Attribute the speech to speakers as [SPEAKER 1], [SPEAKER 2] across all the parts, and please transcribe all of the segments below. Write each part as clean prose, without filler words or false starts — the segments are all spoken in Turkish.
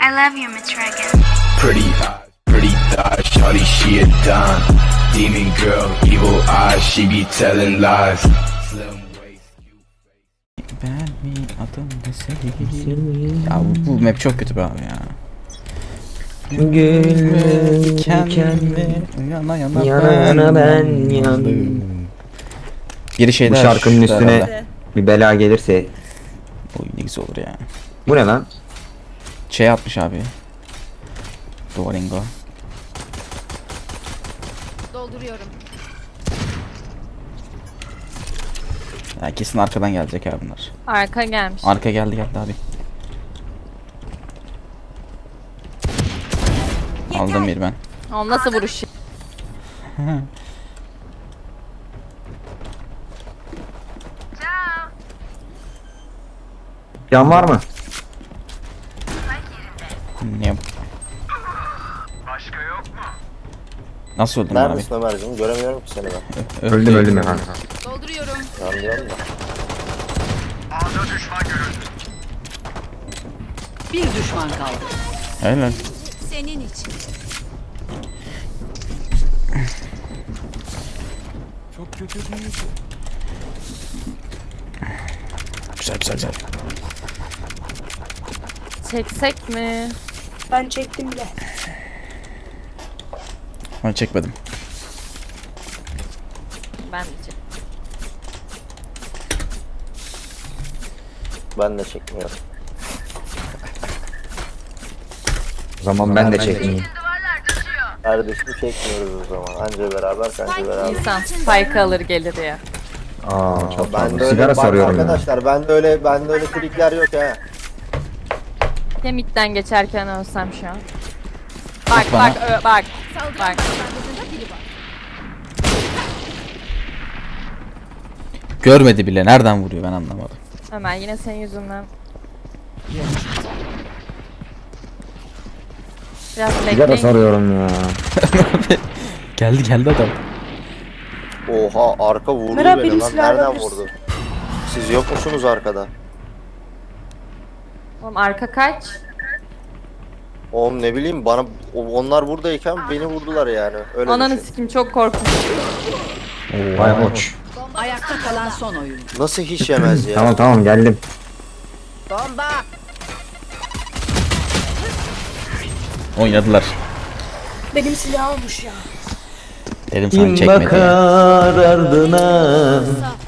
[SPEAKER 1] I love you, Miss Reagan.
[SPEAKER 2] Pretty eyes, pretty thighs, shawty she a dime. Demon girl, evil eyes, she be telling lies. Slim waist,
[SPEAKER 3] Ben mi adım mesele? Ya bu map çok kötü be abi ya.
[SPEAKER 4] Gül
[SPEAKER 3] Dikenli yana yana
[SPEAKER 4] yana ben yandım.
[SPEAKER 3] Biri şeyler
[SPEAKER 4] Bu şarkının üstüne
[SPEAKER 3] herhalde.
[SPEAKER 4] bir bela gelirse.
[SPEAKER 3] Oy ne güzel olur ya.
[SPEAKER 4] Bu ne lan?
[SPEAKER 3] Şey atmış abi. Duolingo.
[SPEAKER 5] Dolduruyorum.
[SPEAKER 3] Ya kesin arkadan gelecek abi bunlar.
[SPEAKER 5] Arka gelmiş.
[SPEAKER 3] Arka geldi abi. Aldım bir ben.
[SPEAKER 5] O nasıl vuruş?
[SPEAKER 4] Can var mı?
[SPEAKER 3] Niye? Nasıl öldün abi?
[SPEAKER 6] Neredesin Ömerciğim? Göremiyorum ki seni ben.
[SPEAKER 4] Öldüm ya kanka.
[SPEAKER 5] Dolduruyorum.
[SPEAKER 6] Anlıyorum da.
[SPEAKER 7] Bir düşman kaldı.
[SPEAKER 3] Helal.
[SPEAKER 5] Senin için.
[SPEAKER 3] Güzel.
[SPEAKER 5] Çeksek mi?
[SPEAKER 8] Ben çektim bile.
[SPEAKER 3] Ben çekmedim.
[SPEAKER 5] Ben de çek.
[SPEAKER 6] Ben de çekmiyorum.
[SPEAKER 4] O zaman ben de çekeyim.
[SPEAKER 6] Kardeşim çekmiyoruz o zaman. Anca beraber, kanca beraber.
[SPEAKER 5] İnsan spike alır gelir ya.
[SPEAKER 4] Aa çok
[SPEAKER 6] Ben
[SPEAKER 4] fazla.
[SPEAKER 6] de öyle,
[SPEAKER 4] Sigara
[SPEAKER 6] bak
[SPEAKER 4] sarıyorum ya.
[SPEAKER 6] arkadaşlar ben de öyle trikler yok ha.
[SPEAKER 5] Ya midden geçerken ölsem şu an. Bak
[SPEAKER 3] bana.
[SPEAKER 5] bak. Bak.
[SPEAKER 3] Görmedi bile. Nereden vuruyor ben anlamadım.
[SPEAKER 5] Ömer yine senin yüzünden. Biraz
[SPEAKER 4] Sigara
[SPEAKER 5] bekleyin.
[SPEAKER 4] sarıyorum ya.
[SPEAKER 3] Geldi adam.
[SPEAKER 6] Oha arka vurdu
[SPEAKER 8] Merhaba,
[SPEAKER 6] beni
[SPEAKER 8] benim
[SPEAKER 6] lan.
[SPEAKER 8] silahı
[SPEAKER 6] Nereden
[SPEAKER 8] alabilirsin.
[SPEAKER 6] vurdu? Siz yok musunuz arkada?
[SPEAKER 5] Oğlum arka kaç?
[SPEAKER 6] Oğlum ne bileyim bana onlar buradayken beni vurdular yani. Öyle
[SPEAKER 5] Ananı
[SPEAKER 6] düşün.
[SPEAKER 5] sikim çok korkunç.
[SPEAKER 4] Vay hoş.
[SPEAKER 7] Ayakta kalan son oyuncu.
[SPEAKER 6] Nasıl hiç yemez ya?
[SPEAKER 4] Tamam geldim.
[SPEAKER 3] Oynadılar.
[SPEAKER 8] Benim silah olmuş ya.
[SPEAKER 3] Dedim sana çekmedi ya.
[SPEAKER 4] ardına.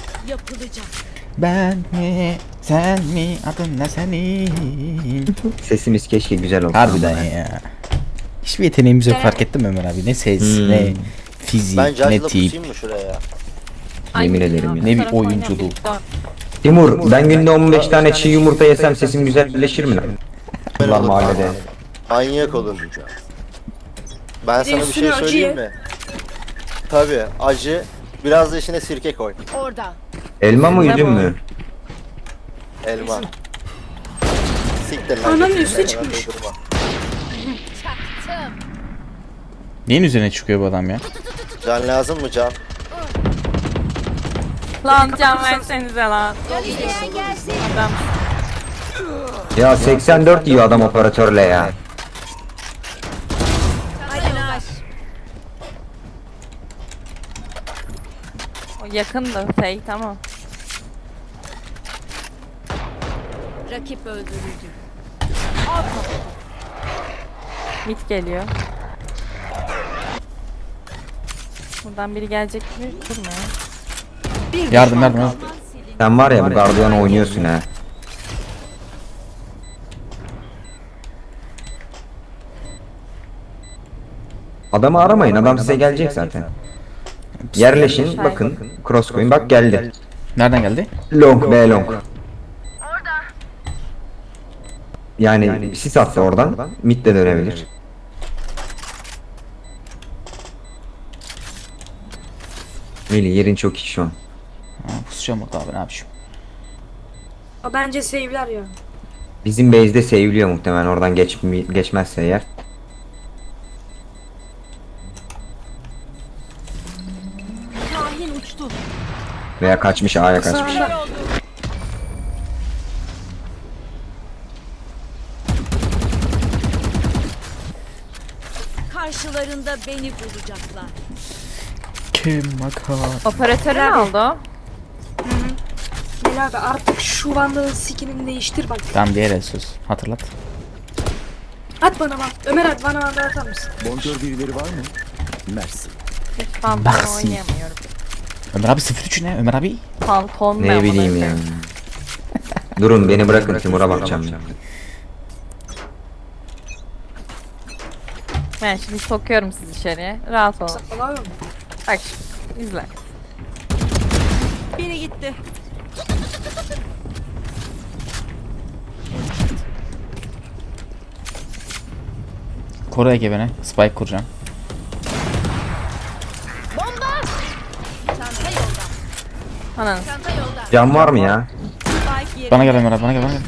[SPEAKER 3] Ben mi? Sen mi? Adın ne senin?
[SPEAKER 4] Sesimiz keşke güzel olsa.
[SPEAKER 3] Harbiden ya. Hiçbir yeteneğimiz yok fark ettin mi Ömer abi? Ne ses, ne fizik,
[SPEAKER 6] Ben
[SPEAKER 3] ne
[SPEAKER 6] Judge'la
[SPEAKER 3] tip,
[SPEAKER 6] pusayım mı şuraya?
[SPEAKER 4] Yemin ederim ya.
[SPEAKER 3] ne bir oyunculuk.
[SPEAKER 4] Timur ben günde 15 tane çiğ yumurta yesem sesim güzelleşir mi lan? Allah mahallede.
[SPEAKER 6] Manyak olur. Ben sana bir şey
[SPEAKER 8] üstüne
[SPEAKER 6] söyleyeyim
[SPEAKER 8] acı
[SPEAKER 6] mi? Tabii acı. Biraz da içine sirke koy.
[SPEAKER 5] Orada.
[SPEAKER 4] Elma mı üzüm mü?
[SPEAKER 6] Elma. Siktir lan.
[SPEAKER 8] Ananın
[SPEAKER 6] götürme,
[SPEAKER 8] üstüne
[SPEAKER 6] hemen
[SPEAKER 8] çıkmış.
[SPEAKER 6] doldurma.
[SPEAKER 3] Neyin üzerine çıkıyor bu adam ya?
[SPEAKER 6] Can lazım mı can?
[SPEAKER 5] Lan can versenize lan. Adam.
[SPEAKER 4] Ya 84 yiyor adam operatörle ya.
[SPEAKER 5] O yakındı fake tamam.
[SPEAKER 7] Rakip öldürüldü.
[SPEAKER 5] Mid geliyor. Buradan biri gelecek mi? Durma ya.
[SPEAKER 7] Bir
[SPEAKER 3] Yardım.
[SPEAKER 4] Sen var ya bu gardiyan oynuyorsun ha. Adamı aramayın adam size gelecek zaten. Yerleşin bakın cross koyun bak geldi.
[SPEAKER 3] Nereden geldi?
[SPEAKER 4] Long B long. Yani sis attı oradan mid de dönebilir. Melih yerin çok iyi şu an.
[SPEAKER 3] Ha, pusacağım orada abi ne yapayım?
[SPEAKER 8] O bence save'ler ya.
[SPEAKER 4] Bizim base'de seviliyor muhtemelen oradan geçmezse eğer. Veya kaçmış A'ya kaçmış.
[SPEAKER 7] Karşılarında beni bulacaklar.
[SPEAKER 3] Kim makar?
[SPEAKER 5] Operatörü ne oldu?
[SPEAKER 8] Melih abi artık şu Vandal'ın skinini değiştir bak.
[SPEAKER 3] Tamam diğer el söz. Hatırlat.
[SPEAKER 8] At bana bak. Ömer at bana Vandal atar mısın?
[SPEAKER 1] Bonkör birileri var mı? Mersi.
[SPEAKER 5] Hiç pantolon
[SPEAKER 3] Baksın.
[SPEAKER 5] oynayamıyorum.
[SPEAKER 3] Ömer abi 03 ne? Ömer abi?
[SPEAKER 5] Pantolon
[SPEAKER 4] Ne bileyim ya. Durun beni bırakın Timur'a bakacağım.
[SPEAKER 5] Ben şimdi sokuyorum sizi içeriye. Rahat olun.
[SPEAKER 8] Allah'ım.
[SPEAKER 5] Bak şimdi izle.
[SPEAKER 7] Biri gitti.
[SPEAKER 3] Koru Ege beni. Spike kuracağım.
[SPEAKER 5] Ananı.
[SPEAKER 4] Can var mı ya?
[SPEAKER 3] Bana gel Ömer abi, bana gel, bana gel.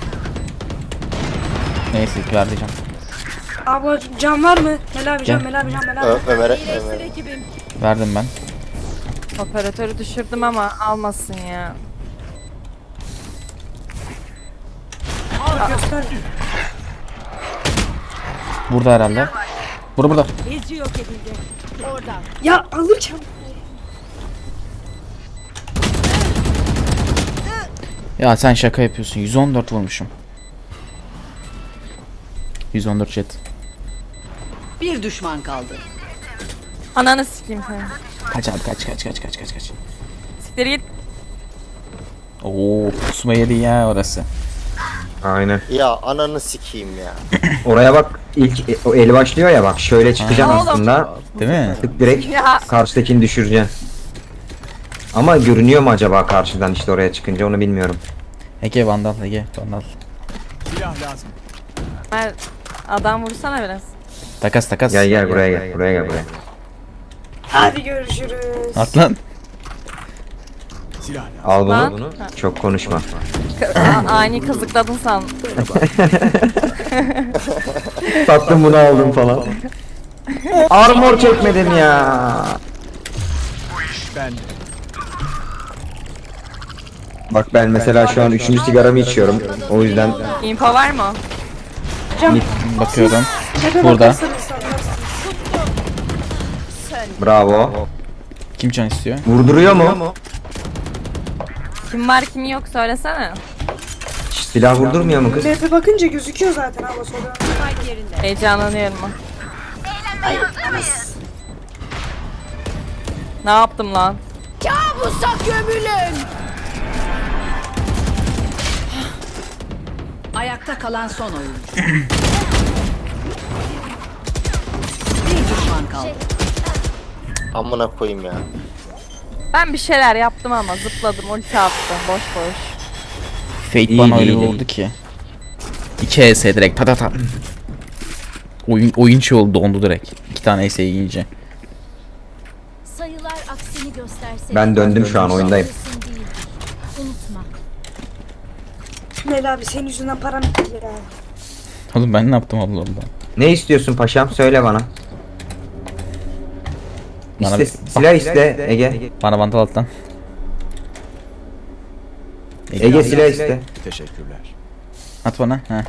[SPEAKER 3] Neyse ver diyeceğim.
[SPEAKER 8] Abla can var mı? Melih abi can,
[SPEAKER 3] Gel.
[SPEAKER 8] Melih abi can, Melih abi.
[SPEAKER 6] Ömer'e
[SPEAKER 3] Verdim ben.
[SPEAKER 5] Operatörü düşürdüm ama almasın ya.
[SPEAKER 8] Al göster.
[SPEAKER 3] Burada herhalde. Burada.
[SPEAKER 7] Ezi yok edildi. Orada.
[SPEAKER 8] Ya alırken.
[SPEAKER 3] Ya sen şaka yapıyorsun. 114 vurmuşum. 114 jet.
[SPEAKER 7] Bir düşman kaldı.
[SPEAKER 5] Ananı sikeyim seni.
[SPEAKER 3] Kaç abi, kaç.
[SPEAKER 5] Siktir git.
[SPEAKER 3] Oo, pusma yedi ya orası.
[SPEAKER 4] Aynen.
[SPEAKER 6] ya ananı sikeyim ya.
[SPEAKER 4] Oraya bak ilk o el başlıyor ya bak şöyle çıkacaksın
[SPEAKER 5] Oğlum.
[SPEAKER 4] aslında.
[SPEAKER 3] Değil mi?
[SPEAKER 4] Tık direkt
[SPEAKER 5] Ya.
[SPEAKER 4] karşıdakini düşüreceksin. Ama görünüyor mu acaba karşıdan işte oraya çıkınca onu bilmiyorum.
[SPEAKER 3] Ege vandal, Ege vandal.
[SPEAKER 1] Silah lazım.
[SPEAKER 5] Ben adam vursana biraz.
[SPEAKER 3] Takas.
[SPEAKER 4] Gel buraya gel buraya.
[SPEAKER 8] Hadi görüşürüz.
[SPEAKER 3] At lan.
[SPEAKER 1] Silah lazım.
[SPEAKER 4] Al
[SPEAKER 5] Lan.
[SPEAKER 4] bunu. Çok konuşma.
[SPEAKER 5] Ani kazıkladın san.
[SPEAKER 4] Sattım bunu aldım falan. Armor çekmedim ya.
[SPEAKER 1] Ben
[SPEAKER 4] Bak ben mesela şu an 3. sigaramı içiyorum. O yüzden
[SPEAKER 5] Info var mı?
[SPEAKER 3] Bakıyorum.
[SPEAKER 8] Tepe
[SPEAKER 3] Burada.
[SPEAKER 8] bakarsanız anlarsınız.
[SPEAKER 4] bravo.
[SPEAKER 3] Kim can istiyor?
[SPEAKER 4] Vurduruyor mu?
[SPEAKER 5] Kim var kim yok söylesene.
[SPEAKER 4] Silah vurdurmuyor mu kız?
[SPEAKER 8] Tepe bakınca gözüküyor zaten abla sonra.
[SPEAKER 5] Heyecanlanıyorum. Ne yaptım lan?
[SPEAKER 7] Ayakta kalan son oyuncu. Bir düşman kaldı.
[SPEAKER 6] Amına koyayım ya.
[SPEAKER 5] Ben bir şeyler yaptım ama zıpladım, ulti attım boş boş.
[SPEAKER 3] Fate
[SPEAKER 4] İyi,
[SPEAKER 3] bana öyle
[SPEAKER 4] iyi, iyi.
[SPEAKER 3] vurdu ki. 2 ES direkt patata. Oyun şey oldu, dondu direkt. 2 tane ES yiyince.
[SPEAKER 9] Sayılar aksini gösterse
[SPEAKER 4] Ben döndüm şu an oyundayım.
[SPEAKER 9] kesin değildir. Unutma.
[SPEAKER 8] Melih abi senin yüzünden param bitti ya.
[SPEAKER 3] Oğlum ben ne yaptım Allah Allah.
[SPEAKER 4] Ne istiyorsun paşam? Söyle bana.
[SPEAKER 3] Bana
[SPEAKER 4] İste, silah iste Ege.
[SPEAKER 3] Bana vandal alttan.
[SPEAKER 4] Ege silah iste.
[SPEAKER 1] teşekkürler.
[SPEAKER 3] At bana. Ha.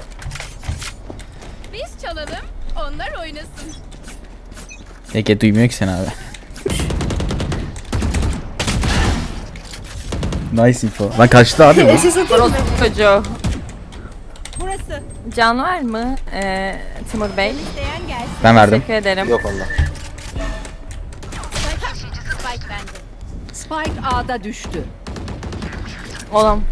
[SPEAKER 9] Biz çalalım, onlar oynasın.
[SPEAKER 3] Ege duymuyor ki seni abi. Nice info. Lan kaçtı abi bu.
[SPEAKER 8] SS atayım mı?
[SPEAKER 5] Orospu çocuğu.
[SPEAKER 7] Burası.
[SPEAKER 5] Can var mı? Timur Bey.
[SPEAKER 7] İsteyen gelsin.
[SPEAKER 3] Ben verdim.
[SPEAKER 5] Teşekkür ederim.
[SPEAKER 6] Yok onda.
[SPEAKER 9] Spike bende.
[SPEAKER 7] Spike A'da düştü.
[SPEAKER 5] Oğlum.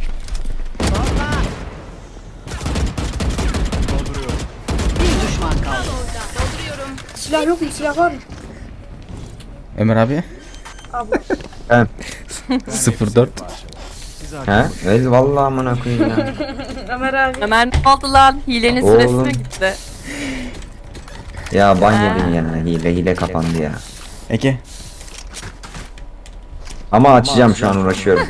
[SPEAKER 7] Bir düşman kaldı.
[SPEAKER 8] Silah yok mu? Silah var mı?
[SPEAKER 3] Ömer abi.
[SPEAKER 8] Abla.
[SPEAKER 4] Ben.
[SPEAKER 3] 04.
[SPEAKER 4] He? Evet vallahi amına koyayım ya.
[SPEAKER 8] Ömer abi.
[SPEAKER 5] Ömer ne oldu lan? Hilenin süresi
[SPEAKER 4] Oğlum.
[SPEAKER 5] mi gitti?
[SPEAKER 4] Ya ban yedim ya. Hile kapandı ya.
[SPEAKER 3] Ege.
[SPEAKER 4] Ama açacağım şu an uğraşıyorum.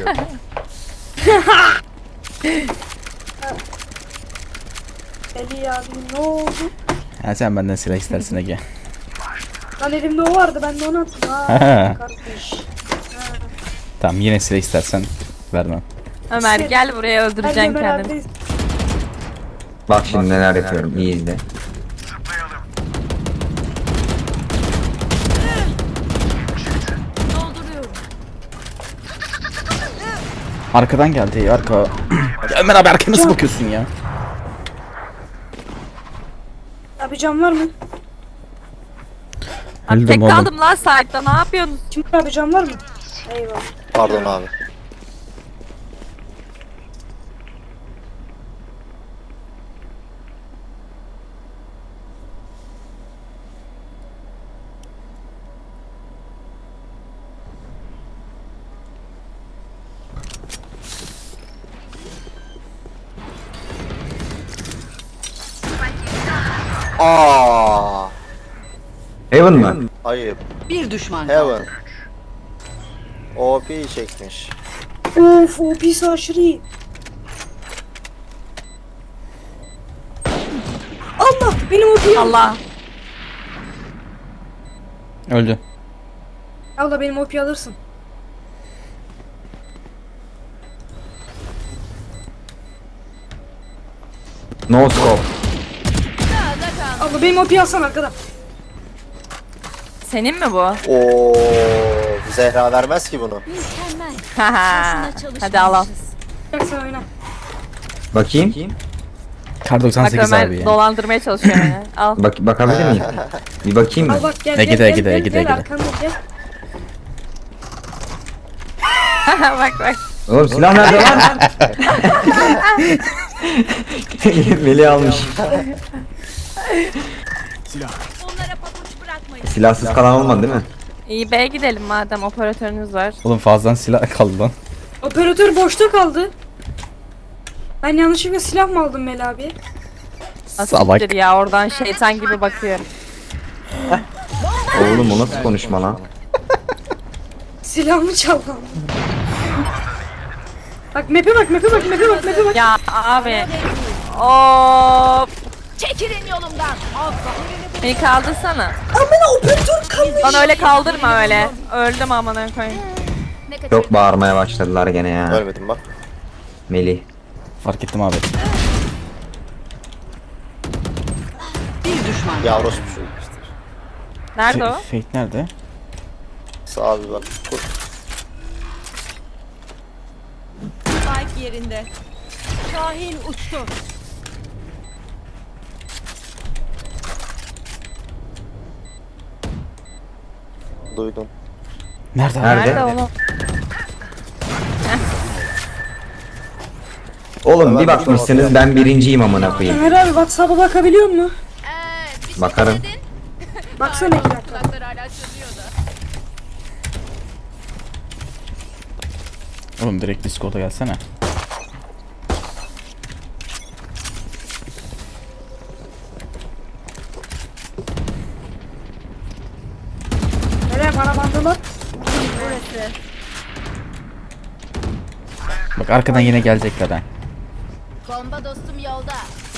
[SPEAKER 8] Eli abi ne oldu?
[SPEAKER 3] Ha sen benden silah istersin Ege.
[SPEAKER 8] Lan elimde o vardı ben de onu attım.
[SPEAKER 3] Ha.
[SPEAKER 8] Ha kardeş.
[SPEAKER 3] Tamam yine silah istersen vermem.
[SPEAKER 5] Ömer gel buraya
[SPEAKER 8] Hadi
[SPEAKER 5] öldüreceksin
[SPEAKER 8] Ömer
[SPEAKER 5] kendini.
[SPEAKER 8] abi.
[SPEAKER 4] Bak şimdi neler yapıyorum. İyi izle.
[SPEAKER 3] Arkadan geldi arka. Ya Ömer abi arkaya nasıl bakıyorsun ya?
[SPEAKER 8] Abi cam var mı?
[SPEAKER 5] Abi
[SPEAKER 3] Öldüm
[SPEAKER 5] tek
[SPEAKER 3] oğlum.
[SPEAKER 5] kaldım lan site'da ne yapıyorsunuz?
[SPEAKER 8] Kim abi cam var mı? Eyvallah.
[SPEAKER 6] Pardon abi. Aa,
[SPEAKER 4] Heaven mı?
[SPEAKER 6] ayıp.
[SPEAKER 7] Bir düşman kaldı.
[SPEAKER 6] Heaven. OP çekmiş.
[SPEAKER 8] Of o pis aşırı iyi. Allah benim OP'yi al.
[SPEAKER 5] Allah.
[SPEAKER 3] Öldü.
[SPEAKER 8] Allah benim OP'yi alırsın.
[SPEAKER 4] No scope.
[SPEAKER 8] Allah benim OP'yi alsana arkadan.
[SPEAKER 5] Senin mi bu?
[SPEAKER 6] Oo, Zehra vermez ki bunu.
[SPEAKER 9] Mükemmel.
[SPEAKER 5] Haha.
[SPEAKER 9] Boşuna
[SPEAKER 5] Hadi al al.
[SPEAKER 9] çalışmamışız.
[SPEAKER 8] Gel sen oyna.
[SPEAKER 4] Bakayım.
[SPEAKER 3] Kar
[SPEAKER 5] Bak
[SPEAKER 3] 98
[SPEAKER 5] Ömer
[SPEAKER 3] abi ya.
[SPEAKER 5] dolandırmaya çalışıyor beni. Al.
[SPEAKER 4] Bakabilir miyim? Bir bakayım mı?
[SPEAKER 8] Al bak gel
[SPEAKER 3] Ege'de,
[SPEAKER 8] gel
[SPEAKER 3] Ege'de,
[SPEAKER 8] gel
[SPEAKER 3] Ege'de,
[SPEAKER 8] gel
[SPEAKER 3] Ege'de.
[SPEAKER 8] arkamda gel.
[SPEAKER 5] Bak bak.
[SPEAKER 4] Oğlum silah nerede lan? Melih almış.
[SPEAKER 1] Silah.
[SPEAKER 9] Onlara pabuç bırakmayın.
[SPEAKER 4] Silahsız kalan olmadı değil mi?
[SPEAKER 5] İyi B'ye gidelim madem operatörünüz var.
[SPEAKER 3] Oğlum fazladan silah kaldı lan.
[SPEAKER 8] Operatör boşta kaldı. Ben yanlışlıkla silah mı aldım Mel abi?
[SPEAKER 3] Salak.
[SPEAKER 5] Asiktir ya oradan şeytan gibi bakıyor.
[SPEAKER 4] Oğlum o nasıl konuşma lan?
[SPEAKER 8] Silahımı çaldım. Bak map'e bak map'e bak map'e bak map'e bak.
[SPEAKER 5] Ya abi. Of.
[SPEAKER 9] Çekilin yolumdan.
[SPEAKER 5] Beni kaldırsana.
[SPEAKER 8] Amına operatör kaldı.
[SPEAKER 5] Bana öyle kaldırma öyle. Öldüm amına koyayım.
[SPEAKER 9] Ne kadar
[SPEAKER 4] Çok bağırmaya başladılar gene ya.
[SPEAKER 6] Ölmedim bak.
[SPEAKER 4] Melih.
[SPEAKER 3] Fark ettim abi.
[SPEAKER 7] Bir düşman kaldı.
[SPEAKER 6] Yavrusu bir şey.
[SPEAKER 5] Nerede o?
[SPEAKER 3] Fate nerede?
[SPEAKER 6] Sağ bir bak. Kur.
[SPEAKER 7] Spike yerinde. Şahin uçtu.
[SPEAKER 6] Duydum.
[SPEAKER 3] Nerede?
[SPEAKER 4] Nerede?
[SPEAKER 5] Nerede oğlum?
[SPEAKER 4] Oğlum bir bakmışsınız ben birinciyim amına koyayım.
[SPEAKER 8] Ömer abi WhatsApp'a bakabiliyor musun?
[SPEAKER 9] bir şey
[SPEAKER 4] Bakarım.
[SPEAKER 9] dedin.
[SPEAKER 8] Baksana 2 dakika.
[SPEAKER 9] Kulakları hala çözüyor da.
[SPEAKER 3] Oğlum direkt Discord'a gelsene.
[SPEAKER 8] Nereye bana bandılar?
[SPEAKER 3] Bak arkadan yine gelecekler ha.
[SPEAKER 9] Bomba dostum yolda.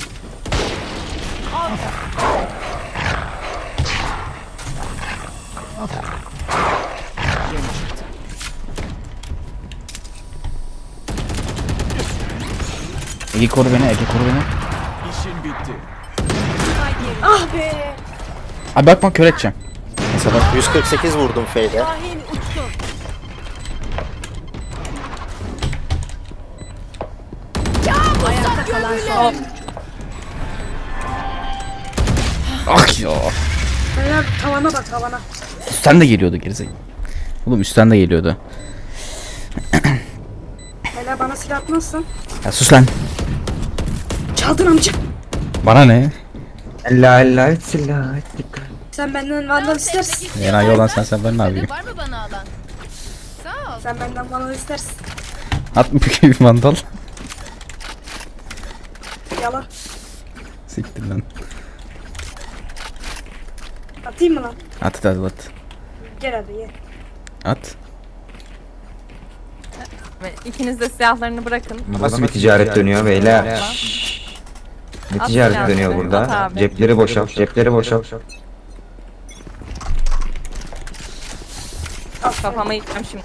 [SPEAKER 3] Ege koru beni, Ege koru beni.
[SPEAKER 1] İşin bitti.
[SPEAKER 8] Ah be.
[SPEAKER 3] Abi bakma kör edeceğim. Mesela bak.
[SPEAKER 6] 148 vurdum F'de.
[SPEAKER 7] Şahin uçtu. Ayakta kalan son.
[SPEAKER 3] Ah ya.
[SPEAKER 8] Ömer tavana bak tavana.
[SPEAKER 3] Üstten de geliyordu gerizekalı. Oğlum üstten de geliyordu.
[SPEAKER 8] Hele bana silah atmazsan.
[SPEAKER 3] Ya sus lan.
[SPEAKER 8] Çaldın amcık.
[SPEAKER 3] Bana ne?
[SPEAKER 4] La silah ettik.
[SPEAKER 8] Sen benden vandal istersin.
[SPEAKER 3] Enayi olan sen ben ne yapayım?
[SPEAKER 9] Var mı bana alan? Sağ ol.
[SPEAKER 8] Sen benden vandal istersin.
[SPEAKER 3] At mı bir mandal?
[SPEAKER 8] Yala.
[SPEAKER 3] Siktir lan.
[SPEAKER 8] Atayım mı lan?
[SPEAKER 3] At hadi at.
[SPEAKER 8] Gel hadi gel.
[SPEAKER 3] At.
[SPEAKER 5] Ve İkiniz de silahlarını bırakın.
[SPEAKER 4] Nasıl bir ticaret dönüyor beyler? Ne
[SPEAKER 5] At
[SPEAKER 4] ticaret
[SPEAKER 5] silahını,
[SPEAKER 4] dönüyor
[SPEAKER 5] at
[SPEAKER 4] burada?
[SPEAKER 5] abi.
[SPEAKER 4] Cepleri boşalt, cepleri boşalt.
[SPEAKER 5] Kafama yıkacağım şimdi.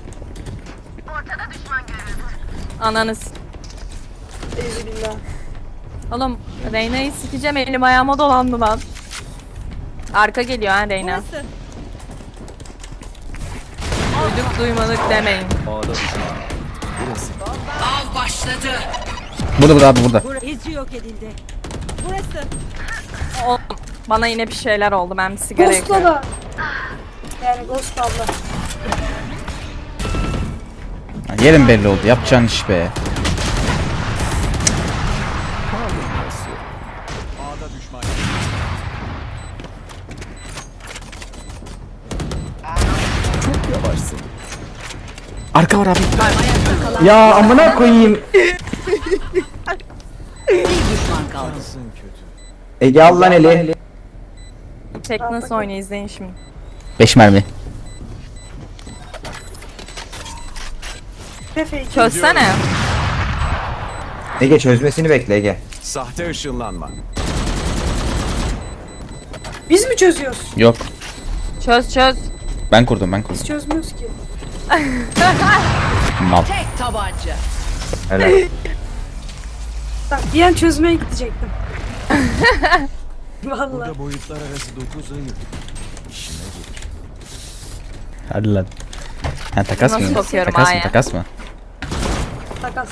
[SPEAKER 5] Ananız.
[SPEAKER 8] Euzübillah.
[SPEAKER 5] Oğlum Reyna'yı sikeceğim elim ayağıma dolandı lan. Arka geliyor ha Reyna.
[SPEAKER 7] Burası.
[SPEAKER 5] Duyduk duymadık demeyin.
[SPEAKER 1] Burası.
[SPEAKER 7] Av başladı.
[SPEAKER 3] Burada abi burada.
[SPEAKER 7] Hezi yok edildi. Burası.
[SPEAKER 5] O, bana yine bir şeyler oldu. Ben bir sigara
[SPEAKER 8] Ghost'la
[SPEAKER 5] yakıyorum.
[SPEAKER 8] da. Yani Ghost abla.
[SPEAKER 3] Ha, yerin belli oldu. Yapacağın iş be.
[SPEAKER 1] A'da düşman. Çok yavaşsın.
[SPEAKER 3] Arka var abi.
[SPEAKER 4] Ya amına koyayım.
[SPEAKER 7] Bir düşman kaldı.
[SPEAKER 1] Şansın kötü.
[SPEAKER 4] Ege al lan eli.
[SPEAKER 5] Tek nasıl oynuyor izleyin şimdi.
[SPEAKER 3] 5 mermi.
[SPEAKER 8] Pefe iki.
[SPEAKER 5] Çözsene.
[SPEAKER 4] Ege çözmesini bekle Ege.
[SPEAKER 1] Sahte ışınlanma.
[SPEAKER 8] Biz mi çözüyoruz?
[SPEAKER 3] Yok.
[SPEAKER 5] Çöz çöz.
[SPEAKER 3] Ben kurdum.
[SPEAKER 8] Biz çözmüyoruz ki.
[SPEAKER 3] Mal.
[SPEAKER 7] Tek tabanca.
[SPEAKER 4] Helal.
[SPEAKER 8] Bak bir an çözmeye gidecektim. Vallahi.
[SPEAKER 1] Burada boyutlar arası 9 ayı. İşine gelir.
[SPEAKER 3] Hadi lan. Ha takas
[SPEAKER 5] Nasıl
[SPEAKER 3] mı?
[SPEAKER 5] sokuyorum
[SPEAKER 3] Takas mı?
[SPEAKER 5] A'ya?
[SPEAKER 3] Takas mı?
[SPEAKER 8] Takas.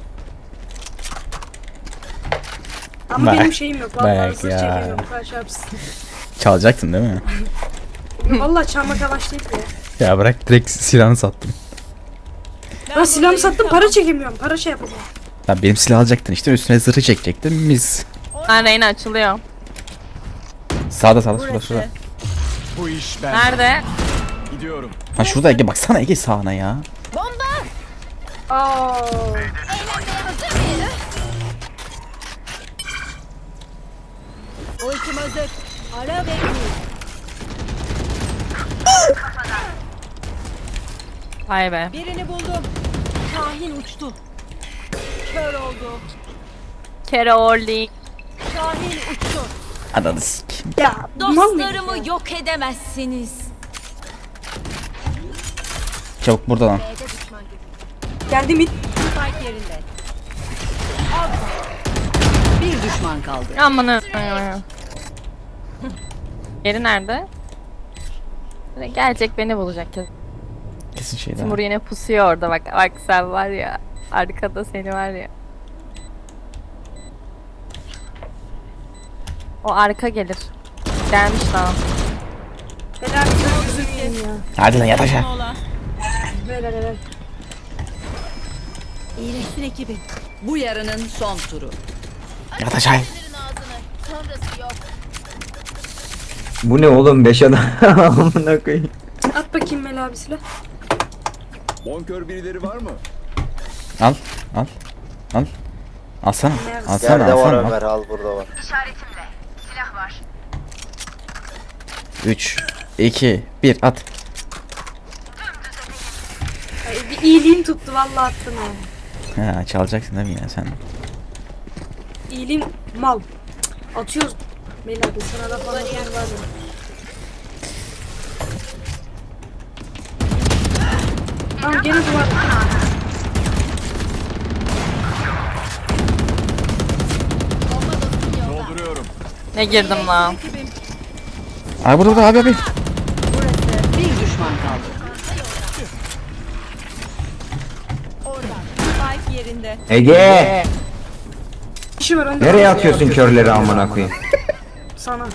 [SPEAKER 8] Ama
[SPEAKER 3] Bak,
[SPEAKER 8] benim şeyim yok. Vallahi
[SPEAKER 3] bak
[SPEAKER 8] hızlı
[SPEAKER 3] ya.
[SPEAKER 8] çekemiyorum. Kaç yapsın.
[SPEAKER 3] Çalacaktın değil mi?
[SPEAKER 8] Vallahi çalmak yavaş değil ya.
[SPEAKER 3] Ya bırak direkt silahını sattım.
[SPEAKER 8] Ben silahımı sattım para çekemiyorum. Para şey yapamıyorum.
[SPEAKER 3] Ya benim silah alacaktın işte üstüne zırhı çekecektin mis.
[SPEAKER 5] Ben Reyna açılıyor.
[SPEAKER 3] Sağda şurada.
[SPEAKER 1] Bu iş ben.
[SPEAKER 5] Nerede?
[SPEAKER 1] Gidiyorum.
[SPEAKER 3] Ha şurada Ege baksana Ege sağına ya.
[SPEAKER 8] Aa.
[SPEAKER 7] Ultim hazır. Ara ve vur.
[SPEAKER 5] Vay be.
[SPEAKER 7] Birini buldum. Şahin uçtu. Kör oldu.
[SPEAKER 5] Kere Orly.
[SPEAKER 7] Şahin uçtu.
[SPEAKER 3] Ananı sikeyim.
[SPEAKER 8] Ya mal mıydı ya?
[SPEAKER 7] Dostlarımı yok edemezsiniz.
[SPEAKER 3] Çabuk burada lan.
[SPEAKER 8] Geldi mi?
[SPEAKER 7] Spike yerinde. Bir düşman kaldı.
[SPEAKER 5] Aman Yeri nerede? Gelecek beni bulacak.
[SPEAKER 3] Kesin şeyden.
[SPEAKER 5] Timur yine pusuyor orada bak. Bak sen var ya. Arkada seni var ya. O arka gelir. Gelmiş lan.
[SPEAKER 8] Helal bir yüzüm yiyeyim ya.
[SPEAKER 3] Hadi lan yat aşağı.
[SPEAKER 8] Helal.
[SPEAKER 7] İyileştir ekibi. Bu yarının son turu.
[SPEAKER 3] Yat aşağı.
[SPEAKER 9] Verin ağzını. Sonrası yok.
[SPEAKER 4] Bu ne oğlum 5 adam. Amına koyayım.
[SPEAKER 8] At bakayım Mel abi silah.
[SPEAKER 1] Bonkör birileri var mı?
[SPEAKER 3] Al. Alsana.
[SPEAKER 6] Yerde var
[SPEAKER 3] Alsana.
[SPEAKER 6] Ömer, al burada var.
[SPEAKER 3] 3 2 1 at.
[SPEAKER 8] Ay, bir iyiliğim tuttu vallahi attım ya.
[SPEAKER 3] Ha çalacaksın değil mi ya sen?
[SPEAKER 8] İyiliğim mal. Cık, atıyoruz. Mel abi sana da falan var ya. Tamam gene duvar.
[SPEAKER 1] Dolduruyorum.
[SPEAKER 5] Ne girdim lan?
[SPEAKER 3] Abi burada abi.
[SPEAKER 7] Bir düşman kaldı. Spike yerinde.
[SPEAKER 4] Ege.
[SPEAKER 8] Kişi var önde.
[SPEAKER 4] Nereye atıyorsun körleri amına koyayım?
[SPEAKER 8] Sana.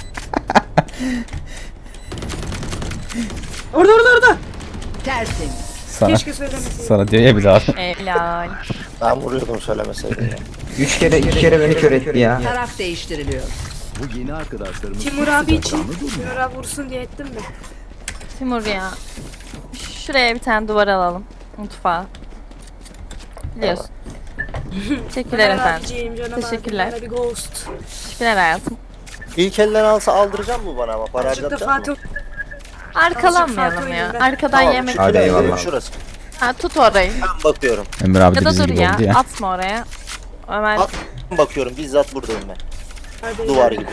[SPEAKER 8] Orada.
[SPEAKER 7] Tertemiz.
[SPEAKER 3] Sana.
[SPEAKER 8] Keşke söylemeseydim.
[SPEAKER 3] Sana diyor ya bir daha.
[SPEAKER 5] Helal.
[SPEAKER 6] Ben vuruyordum söylemeseydin ya.
[SPEAKER 4] 3 kere beni kör etti ya.
[SPEAKER 7] Taraf değiştiriliyor.
[SPEAKER 1] Bu yeni arkadaşlarımız
[SPEAKER 8] Timur abi için.
[SPEAKER 1] sıcakkanlı durmuyor.
[SPEAKER 8] Timur abi vursun diye ettim de.
[SPEAKER 5] Timur ya. Şuraya bir tane duvar alalım. Mutfağa. Biliyorsun. Teşekkürler efendim. Teşekkürler.
[SPEAKER 8] Bana bir ghost.
[SPEAKER 5] Teşekkürler hayatım.
[SPEAKER 6] İlk elden alsa aldıracağım mı bana ama para
[SPEAKER 8] Açıkta
[SPEAKER 6] harcatacak
[SPEAKER 8] Fatih.
[SPEAKER 6] mı?
[SPEAKER 5] Arkalanmayalım ya. Arkadan
[SPEAKER 6] Tamam,
[SPEAKER 5] yemek.
[SPEAKER 6] şurası,
[SPEAKER 4] Hadi eyvallah.
[SPEAKER 6] Şurası.
[SPEAKER 5] Ha, tut orayı.
[SPEAKER 6] Ben bakıyorum.
[SPEAKER 3] Ömer abi
[SPEAKER 5] Ya
[SPEAKER 3] de
[SPEAKER 5] da
[SPEAKER 3] bizim
[SPEAKER 5] dur
[SPEAKER 3] gibi
[SPEAKER 5] ya.
[SPEAKER 3] oldu ya.
[SPEAKER 5] Atma oraya. Ömer.
[SPEAKER 6] At. Bakıyorum, bizzat buradayım ben.
[SPEAKER 8] Hadi
[SPEAKER 6] Duvar gibi.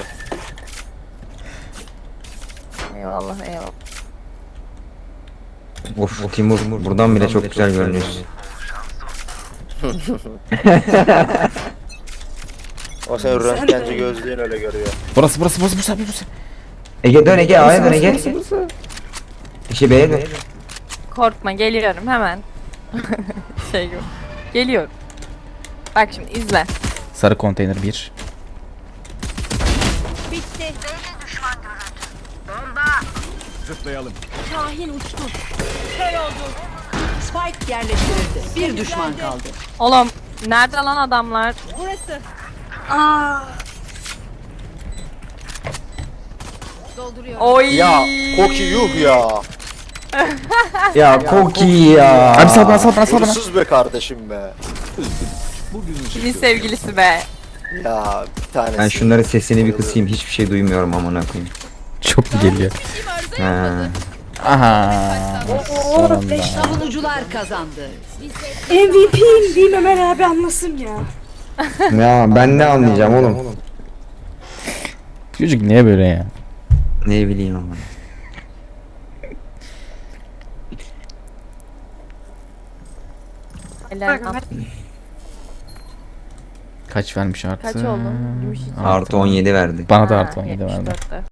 [SPEAKER 5] Eyvallah eyvallah.
[SPEAKER 4] Of Timur buradan bile çok güzel görünüyorsun.
[SPEAKER 6] O senin röntgenci gözlüğün öyle görüyor.
[SPEAKER 3] Burası.
[SPEAKER 4] Ege dön Ege A'ya dön Ege. İşi B'ye dön.
[SPEAKER 5] Korkma geliyorum hemen. Şey gibi. Geliyorum. Bak şimdi izle.
[SPEAKER 3] Sarı konteyner 1.
[SPEAKER 9] Bitti.
[SPEAKER 1] Zıplayalım.
[SPEAKER 9] Kahin uçtu.
[SPEAKER 7] Spike yerleştirildi. Bir düşman kaldı.
[SPEAKER 5] Oğlum nerede lan adamlar?
[SPEAKER 9] Burası.
[SPEAKER 8] Aa,
[SPEAKER 9] Dolduruyorum.
[SPEAKER 5] Oy.
[SPEAKER 6] Ya Koki yuh ya.
[SPEAKER 4] Ya Koki ya.
[SPEAKER 3] Abi sal bana.
[SPEAKER 6] Hırsız be kardeşim be.
[SPEAKER 1] Bugün
[SPEAKER 5] Kimin sevgilisi be?
[SPEAKER 6] Ya bir tanesi.
[SPEAKER 4] Ben şunların sesini bir kısayım, hiçbir şey duymuyorum amına koyayım.
[SPEAKER 3] Çok mu geliyor?
[SPEAKER 9] Kim arıza
[SPEAKER 4] He.
[SPEAKER 3] Aha. Sonunda.
[SPEAKER 7] Savunucular kazandı.
[SPEAKER 8] MVP'yim diyeyim Ömer abi anlasın ya.
[SPEAKER 4] Ya ben ne anlayacağım oğlum?
[SPEAKER 3] Çocuk niye böyle ya?
[SPEAKER 4] Ne bileyim ama.
[SPEAKER 5] Helal.
[SPEAKER 8] Bak,
[SPEAKER 3] Kaç vermiş artı?
[SPEAKER 5] Kaç oldu? Gümüş için.
[SPEAKER 4] Artı 17 verdi.
[SPEAKER 3] Bana da artı 17 verdi.
[SPEAKER 5] 74'te.